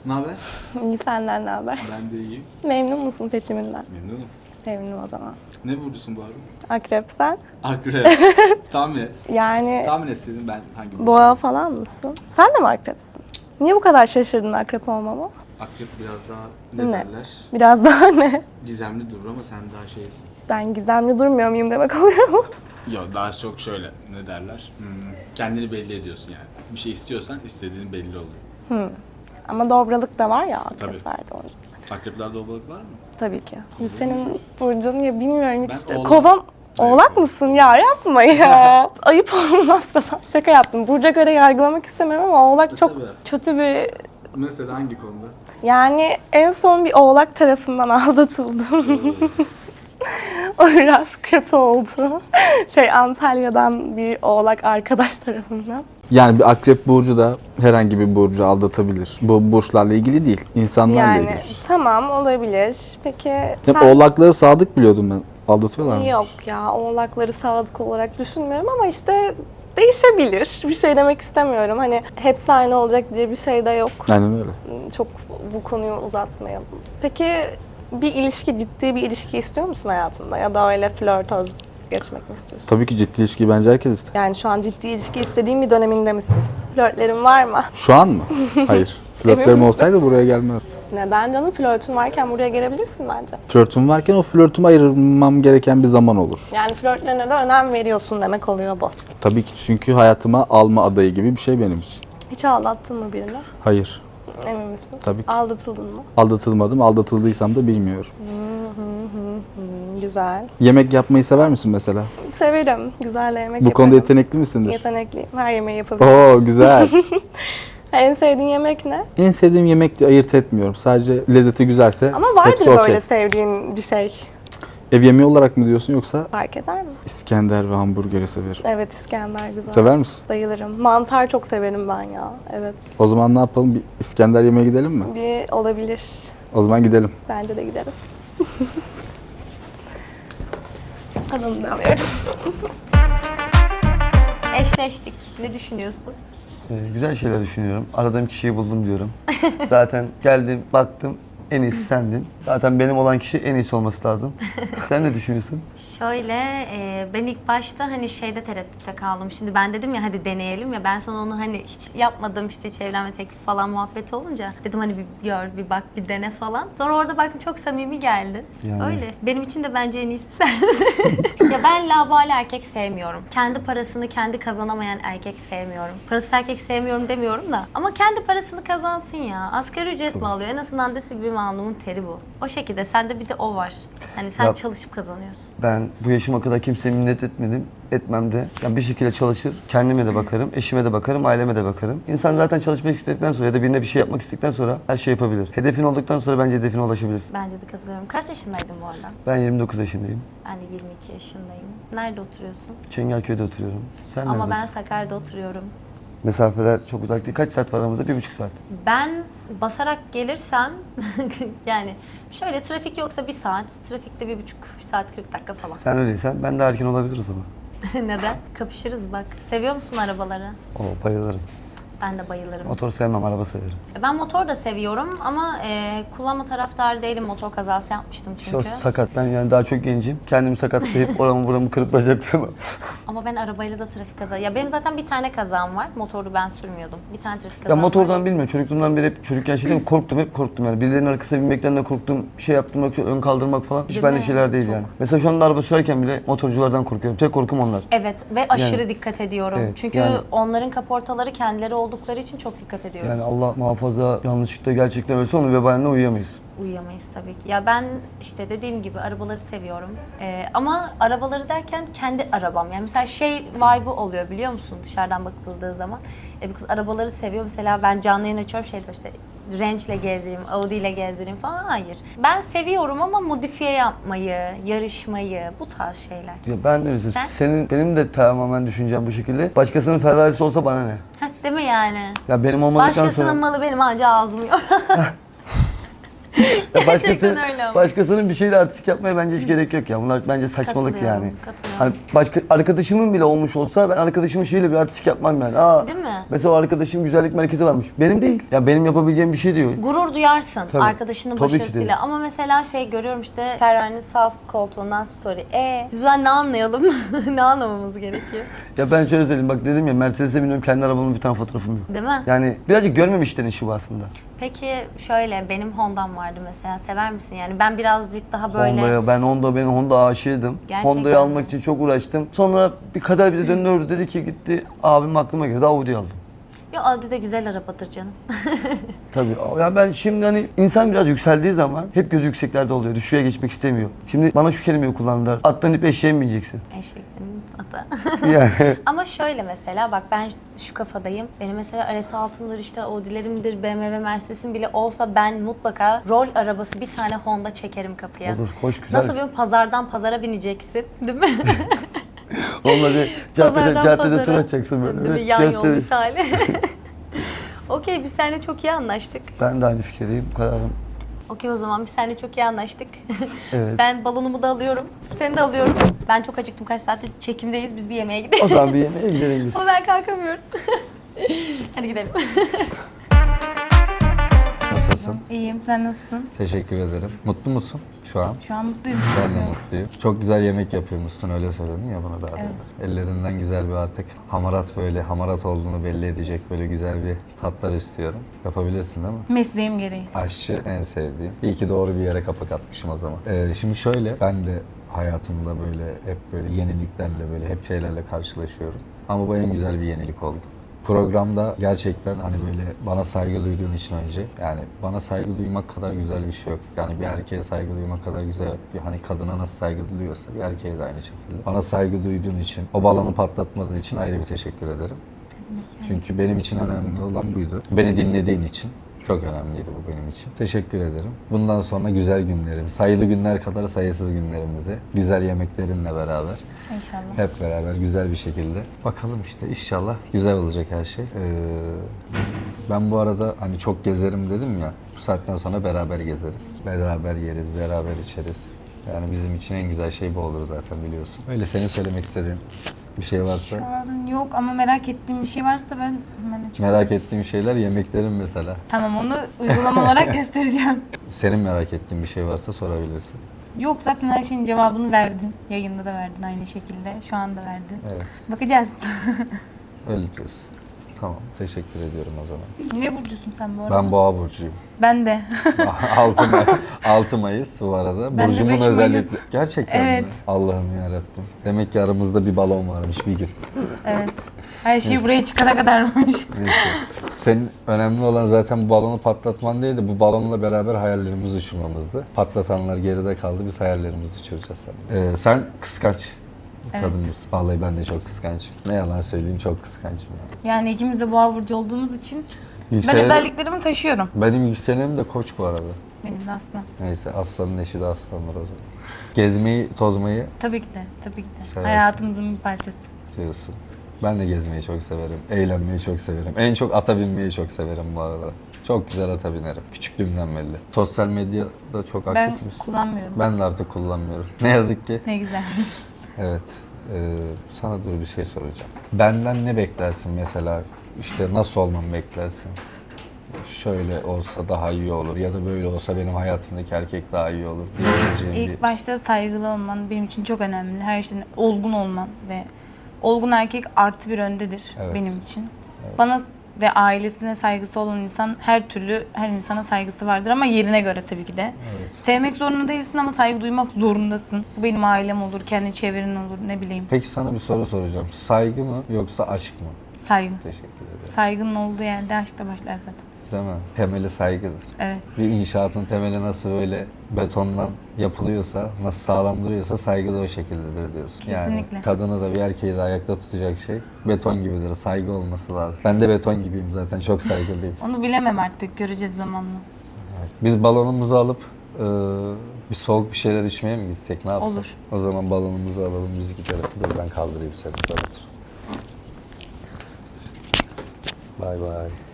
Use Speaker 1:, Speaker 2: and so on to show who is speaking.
Speaker 1: Ne haber?
Speaker 2: İyi, senden ne haber?
Speaker 1: Ben de iyiyim.
Speaker 2: Memnun musun seçiminden?
Speaker 1: Memnunum.
Speaker 2: Sevindim o zaman.
Speaker 1: Ne burcusun bu arada?
Speaker 2: Akrep sen?
Speaker 1: Akrep. Tahmin et.
Speaker 2: Yani
Speaker 1: Tahmin etseydin ben hangi burcu?
Speaker 2: boğa falan mısın? Sen de mi akrepsin? Niye bu kadar şaşırdın akrep olmama?
Speaker 1: Akrep biraz daha ne
Speaker 2: Ne?
Speaker 1: derler?
Speaker 2: Biraz daha ne?
Speaker 1: Gizemli durur ama sen daha şeysin.
Speaker 2: Ben gizemli durmuyor muyum demek oluyor mu?
Speaker 1: Yok daha çok şöyle ne derler? Kendini belli ediyorsun yani. Bir şey istiyorsan istediğin belli oluyor.
Speaker 2: Ama dobralık da var ya
Speaker 1: Tabii.
Speaker 2: akreplerde o yüzden.
Speaker 1: Akreplerde obalık var mı?
Speaker 2: Tabii ki. Senin burcun ya bilmiyorum hiç.
Speaker 1: Ben oğlak.
Speaker 2: Kovan
Speaker 1: Evet,
Speaker 2: oğlak mısın ya? Yapma ya. Ayıp olmazsa ben şaka yaptım. Burca göre yargılamak istemiyorum ama oğlak çok
Speaker 1: Tabii.
Speaker 2: kötü bir...
Speaker 1: Mesela hangi konuda?
Speaker 2: Yani en son bir oğlak tarafından aldatıldım. O biraz kötü oldu. Antalya'dan bir oğlak arkadaş tarafından.
Speaker 3: Yani bir akrep burcu da herhangi bir burcu aldatabilir. Bu burçlarla ilgili değil, insanlarla
Speaker 2: Yani
Speaker 3: ilgili.
Speaker 2: tamam olabilir. Peki
Speaker 3: Hep
Speaker 2: sen...
Speaker 3: oğlakları sadık biliyordum ben. Aldatıyorlar mı?
Speaker 2: Yok ya, oğlakları sadık olarak düşünmüyorum ama işte değişebilir. Bir şey demek istemiyorum. Hani hepsi aynı olacak diye bir şey de yok.
Speaker 3: Aynen öyle.
Speaker 2: Çok bu konuyu uzatmayalım. Peki bir ilişki, ciddi bir ilişki istiyor musun hayatında? Ya da öyle flörtöz geçmek mi istiyorsun?
Speaker 3: Tabii ki ciddi ilişkiyi bence herkes ister.
Speaker 2: Yani şu an ciddi ilişki istediğin bir döneminde misin? Flörtlerin var mı?
Speaker 3: Şu an mı? Hayır. Flörtlerim
Speaker 2: misin?
Speaker 3: olsaydı buraya gelmezdim.
Speaker 2: Neden canım? Flörtün varken buraya gelebilirsin bence.
Speaker 3: Flörtüm varken o flörtüme ayırmam gereken bir zaman olur.
Speaker 2: Yani flörtlerine de önem veriyorsun demek oluyor bu.
Speaker 3: Tabii ki çünkü hayatıma alma adayı gibi bir şey benim için.
Speaker 2: Hiç aldattın mı birini?
Speaker 3: Hayır.
Speaker 2: Emin misin?
Speaker 3: Tabii ki.
Speaker 2: Aldatıldın mı?
Speaker 3: Aldatılmadım. Aldatıldıysam da bilmiyorum.
Speaker 2: Güzel.
Speaker 3: Yemek yapmayı sever misin mesela?
Speaker 2: Severim. Güzel yemek
Speaker 3: Bu konuda
Speaker 2: yaparım.
Speaker 3: yetenekli misindir?
Speaker 2: Yetenekliyim. Her yemeği yapabilirim.
Speaker 3: Oo güzel.
Speaker 2: En sevdiğin yemek ne?
Speaker 3: En sevdiğim yemek diye ayırt etmiyorum. Sadece lezzeti güzelse
Speaker 2: Ama vardır
Speaker 3: hepsi okey.
Speaker 2: böyle sevdiğin bir şey.
Speaker 3: Ev yemeği olarak mı diyorsun yoksa?
Speaker 2: Fark eder mi?
Speaker 3: İskender ve hamburgeri severim.
Speaker 2: Evet, İskender güzel.
Speaker 3: Sever misin?
Speaker 2: Bayılırım. Mantar çok severim ben ya. Evet.
Speaker 3: O zaman ne yapalım? Bir İskender yemeğe gidelim mi?
Speaker 2: Bir olabilir.
Speaker 3: O zaman gidelim.
Speaker 2: Bence de giderim. Adını da alıyorum.
Speaker 4: Eşleştik. Ne düşünüyorsun?
Speaker 5: Güzel şeyler düşünüyorum. Aradığım kişiyi buldum diyorum. Zaten geldim, baktım. En iyisi sendin. Zaten benim olan kişi en iyisi olması lazım. Sen ne düşünüyorsun?
Speaker 4: Şöyle, ben ilk başta hani şeyde tereddütte kaldım. Şimdi ben dedim ya hadi deneyelim ya, ben sana onu hani hiç yapmadım işte, hiç evlenme teklifi falan muhabbeti olunca dedim hani bir gör, bir bak, bir dene falan. Sonra orada baktım çok samimi geldi.
Speaker 5: Yani.
Speaker 4: Öyle. Benim için de bence en iyisi sen. Ya ben laubali erkek sevmiyorum. Kendi parasını kendi kazanamayan erkek sevmiyorum. Parasız erkek sevmiyorum demiyorum da. Ama kendi parasını kazansın ya. Asgari ücret mi alıyor? En azından dese gibi alnımın teri bu. O şekilde. Sende bir de o var. Hani sen
Speaker 5: Ya-
Speaker 4: çalışıp kazanıyorsun.
Speaker 5: Ben bu yaşıma kadar kimseye minnet etmedim. Etmem de. Yani bir şekilde çalışır. Kendime de bakarım, eşime de bakarım, aileme de bakarım. İnsan zaten çalışmak istedikten sonra ya da birine bir şey yapmak istedikten sonra her şey yapabilir. Hedefin olduktan sonra bence hedefine ulaşabilirsin.
Speaker 4: Bence de katılıyorum. Kaç yaşındaydın bu arada?
Speaker 5: Ben 29 yaşındayım.
Speaker 4: Ben de 22 yaşındayım. Nerede oturuyorsun?
Speaker 5: Çengelköy'de oturuyorum. Sen
Speaker 4: Ama
Speaker 5: nerede
Speaker 4: ben
Speaker 5: oturuyorsun?
Speaker 4: Sakarya'da oturuyorum.
Speaker 5: Mesafeler çok uzak değil. Kaç saat var aramızda? 1,5 saat.
Speaker 4: Ben basarak gelirsem yani şöyle, trafik yoksa 1 saat, trafikte 1,5 saat 40 dakika falan.
Speaker 5: Sen öyleysen ben de erken olabilir o zaman.
Speaker 4: Neden? Kapışırız bak. Seviyor musun arabaları?
Speaker 5: Oo, bayılırım.
Speaker 4: Ben de bayılırım.
Speaker 5: Motor sevmem, araba severim.
Speaker 4: Ben motor da seviyorum ama kullanma taraftarı değilim. Motor kazası yapmıştım
Speaker 5: İşte o
Speaker 4: çünkü.
Speaker 5: sakat. Ben yani daha çok gencim. Kendimi sakatlayıp oramı buramı kırıp bacaklarımı.
Speaker 4: Ama ben arabayla da trafik kazası... Ya benim zaten bir tane kazam var. Motoru ben sürmüyordum. Bir tane trafik
Speaker 5: Ya
Speaker 4: kazam var.
Speaker 5: motordan bilmiyorum. Çocukluğumdan beri hep çocukken şey değil mi? Korktum, hep korktum yani. Birilerinin arkasına binmekten de korktum. Bir şey yaptırmak, ön kaldırmak falan. Hiç
Speaker 4: Değil
Speaker 5: bende
Speaker 4: mi?
Speaker 5: şeyler değil
Speaker 4: Çok.
Speaker 5: yani. Mesela şu anda araba sürerken bile motorculardan korkuyorum. Tek korkum onlar.
Speaker 4: Evet ve aşırı
Speaker 5: Yani-
Speaker 4: dikkat ediyorum.
Speaker 5: Evet,
Speaker 4: Çünkü
Speaker 5: yani-
Speaker 4: onların kaportaları kendileri oldukları için çok dikkat ediyorum.
Speaker 5: Yani Allah muhafaza yanlışlıkla gerçekten ölse onun vebaline uyuyamayız.
Speaker 4: Uyuyamayız tabii ki. Ya ben işte dediğim gibi arabaları seviyorum. Ama arabaları derken kendi arabam. Yani mesela şey vibe'ı oluyor biliyor musun dışarıdan bakıldığı zaman. Bu kız arabaları seviyor. Mesela ben canlı yayın açıyorum şey diyor işte Range'le gezdireyim, Audi ile gezdireyim falan. Hayır. Ben seviyorum ama modifiye yapmayı, yarışmayı, bu tarz şeyler.
Speaker 5: Ya ben öyle
Speaker 4: Sen?
Speaker 5: benim de tamamen düşüncem bu şekilde. Başkasının Ferrari'si olsa bana ne?
Speaker 4: Heh, değil mi yani?
Speaker 5: Ya benim olmadıktan
Speaker 4: Başkasının
Speaker 5: sonra...
Speaker 4: malı benim anca ağzım yiyor.
Speaker 5: Ya başkasının,
Speaker 4: öyle ama.
Speaker 5: başkasının bir şeyle artistik yapmaya bence hiç gerek yok ya. Bunlar bence saçmalık
Speaker 4: Katılıyorum,
Speaker 5: yani.
Speaker 4: katılıyorum.
Speaker 5: Hani başka arkadaşımın bile olmuş olsa ben arkadaşımın şeyle bir artistik yapmam yani. Aa,
Speaker 4: Değil mi?
Speaker 5: mesela o arkadaşım güzellik merkezi varmış. Benim değil. Ya benim yapabileceğim bir şey değil.
Speaker 4: Gurur duyarsın
Speaker 5: Tabii.
Speaker 4: arkadaşının
Speaker 5: Tabii ki de.
Speaker 4: başarısıyla. Ama mesela şey görüyorum işte Ferrari'nin sağ koltuğundan story. Biz bundan ne anlayalım? Ne anlamamız gerekiyor?
Speaker 5: Ya ben şöyle söyleyeyim bak dedim ya Mercedes'e biniyorum kendi arabamın bir tane fotoğrafım yok.
Speaker 4: Değil mi?
Speaker 5: Yani birazcık görmemişlerin işi bu aslında.
Speaker 4: Peki şöyle benim Honda'm vardı mesela. Sever misin? Yani ben birazcık daha böyle...
Speaker 5: Ben Honda aşığıydım.
Speaker 4: Gerçekten
Speaker 5: Honda'yı
Speaker 4: mi?
Speaker 5: almak için çok uğraştım. Sonra bir kader bize döndü dedi ki gitti abim aklıma girdi Audi'yi aldım.
Speaker 4: Ya Audi de güzel arabadır canım.
Speaker 5: Tabii. Ya ben şimdi hani insan biraz yükseldiği zaman hep gözü yükseklerde oluyor. Düşüğe geçmek istemiyor. Şimdi bana şu kelimeyi kullandılar. Attan ip eşeğe mi bineceksin?
Speaker 4: Eşeklerin ata.
Speaker 5: Yani
Speaker 4: Ama şöyle mesela bak ben şu kafadayım. Benim mesela RS6'mdır işte Audi'lerimdir, BMW, Mercedes'im bile olsa ben mutlaka rol arabası bir tane Honda çekerim kapıya.
Speaker 5: olur, hoş güzel.
Speaker 4: Nasıl bir pazardan pazara bineceksin değil mi?
Speaker 5: Onunla bir caddede tur
Speaker 4: pazara.
Speaker 5: atacaksın böyle.
Speaker 4: Değil mi? Yan yol
Speaker 5: Gösterir.
Speaker 4: misali. Okey biz seninle çok iyi anlaştık.
Speaker 5: Ben de aynı fikirdeyim. Kararım.
Speaker 4: Okey o zaman biz seninle çok iyi anlaştık.
Speaker 5: Evet.
Speaker 4: Ben balonumu da alıyorum. Seni de alıyorum. Ben çok acıktım. Kaç saattir çekimdeyiz. Biz bir yemeğe gidelim.
Speaker 5: O zaman bir yemeğe gidelim biz.
Speaker 4: Ama ben kalkamıyorum. Hadi gidelim.
Speaker 3: Nasılsın?
Speaker 6: İyiyim, sen nasılsın?
Speaker 3: Teşekkür ederim. Mutlu musun şu an?
Speaker 6: Şu an mutluyum.
Speaker 3: Ben de mutluyum. Çok güzel yemek yapıyormuşsun öyle söyledin ya bana daha doğrusu. Ellerinden güzel bir artık hamarat olduğunu belli edecek böyle güzel bir tatlar istiyorum. Yapabilirsin değil mi?
Speaker 6: Mesleğim gereği.
Speaker 3: Aşçı en sevdiğim. İyi ki doğru bir yere kapak atmışım o zaman. Şimdi şöyle ben de hayatımda böyle hep böyle yeniliklerle böyle hep şeylerle karşılaşıyorum. Ama bu en güzel bir yenilik oldu. Programda gerçekten hani böyle bana saygı duyduğun için önce yani bana saygı duymak kadar güzel bir şey yok. Yani bir erkeğe saygı duymak kadar güzel bir hani kadına nasıl saygı duyuyorsa bir erkeğe de aynı şekilde. Bana saygı duyduğun için, o balonu patlatmadığın için ayrı bir teşekkür ederim. Çünkü benim için önemli olan buydu. Beni dinlediğin için. Çok önemliydi bu benim için. Teşekkür ederim. Bundan sonra güzel günlerim, sayılı günler kadar sayısız günlerimizi, güzel yemeklerinle beraber,
Speaker 6: İnşallah.
Speaker 3: hep beraber güzel bir şekilde. Bakalım işte inşallah güzel olacak her şey. Ben bu arada hani çok gezerim dedim ya, bu saatten sonra beraber gezeriz. Beraber yeriz, beraber içeriz. Yani bizim için en güzel şey bu olur zaten biliyorsun. Öyle senin söylemek istediğin bir şey varsa.
Speaker 6: Şu an yok ama merak ettiğim bir şey varsa ben hemen açıklayayım.
Speaker 3: Merak ettiğim şeyler yemeklerin mesela.
Speaker 6: Tamam onu uygulama olarak göstereceğim.
Speaker 3: Senin merak ettiğin bir şey varsa sorabilirsin.
Speaker 6: Yok zaten her şeyin cevabını verdin. Yayında da verdin aynı şekilde. Şu anda verdin.
Speaker 3: Evet.
Speaker 6: Bakacağız.
Speaker 3: Öyle diyorsun. Tamam. Teşekkür ediyorum o zaman.
Speaker 6: Ne burcusun sen bu arada?
Speaker 3: Ben Boğa burcuyum.
Speaker 6: Ben de.
Speaker 3: 6 Mayıs bu arada.
Speaker 6: Ben de
Speaker 3: Burcumun
Speaker 6: 5 Mayıs.
Speaker 3: özellikle. Gerçekten
Speaker 6: Evet.
Speaker 3: mi? Allah'ım yarabbim. Demek ki aramızda bir balon varmış bir gün.
Speaker 6: Evet. Her şey buraya çıkana kadarmış.
Speaker 3: Neyse. Senin önemli olan zaten bu balonu patlatman değildi. Bu balonla beraber hayallerimizi uçurmamızdı. Patlatanlar geride kaldı. Biz hayallerimizi uçuracağız sen. Sen kıskanç
Speaker 6: Evet.
Speaker 3: kadın mısın? Vallahi ben de çok kıskançım. Ne yalan söyleyeyim çok kıskançım.
Speaker 6: Yani ikimiz de boğa burcu olduğumuz için ben
Speaker 3: Yükselen-
Speaker 6: özelliklerimi taşıyorum.
Speaker 3: Benim yükselenim de Koç bu arada.
Speaker 6: Benim de aslında.
Speaker 3: Neyse aslanın eşi de aslanlar o zaman. Gezmeyi, tozmayı
Speaker 6: Tabii ki de. Tabii ki de.
Speaker 3: Seversin.
Speaker 6: Hayatımızın bir parçası.
Speaker 3: diyorsun. Ben de gezmeyi çok severim. Eğlenmeyi çok severim. En çok ata binmeyi çok severim bu arada. Çok güzel ata binerim. Küçüklüğümden belli. Sosyal medyada çok
Speaker 6: Ben
Speaker 3: aktif misin?
Speaker 6: kullanmıyorum.
Speaker 3: Ben de artık kullanmıyorum. Ne yazık ki.
Speaker 6: Ne güzel.
Speaker 3: Evet. Sana dur bir şey soracağım. Benden ne beklersin mesela? İşte nasıl olmamı beklersin? Şöyle olsa daha iyi olur ya da böyle olsa benim hayatımdaki erkek daha iyi olur diyebileceğin bir...
Speaker 6: İlk başta saygılı olman benim için çok önemli. Her şeyden olgun olman ve olgun erkek artı bir öndedir
Speaker 3: Evet.
Speaker 6: benim için. Bana ve ailesine saygısı olan insan her türlü her insana saygısı vardır ama yerine göre tabii ki de. Sevmek zorunda değilsin ama saygı duymak zorundasın. Bu benim ailem olur, kendi çevren olur, ne bileyim.
Speaker 3: Peki sana bir soru soracağım. Saygı mı yoksa aşk mı?
Speaker 6: Saygı.
Speaker 3: Teşekkür ederim.
Speaker 6: Saygının olduğu yerde aşk da başlar zaten.
Speaker 3: Değil mi? Temeli saygıdır.
Speaker 6: Evet.
Speaker 3: Bir inşaatın temeli nasıl böyle betondan yapılıyorsa, nasıl sağlam duruyorsa saygı da o şekildedir diyorsun. Yani
Speaker 6: Kesinlikle.
Speaker 3: kadını da bir erkeği de ayakta tutacak şey beton gibidir. Saygı olması lazım. Ben de beton gibiyim zaten. Çok saygılıyım.
Speaker 6: Onu bilemem artık, göreceğiz zamanla.
Speaker 3: Evet. Biz balonumuzu alıp bir soğuk bir şeyler içmeye mi gitsek? Ne yapsak?
Speaker 6: Olur.
Speaker 3: O zaman balonumuzu alalım, biz gidelim. Dur ben kaldırayım seni. Sen otur. Bay bay.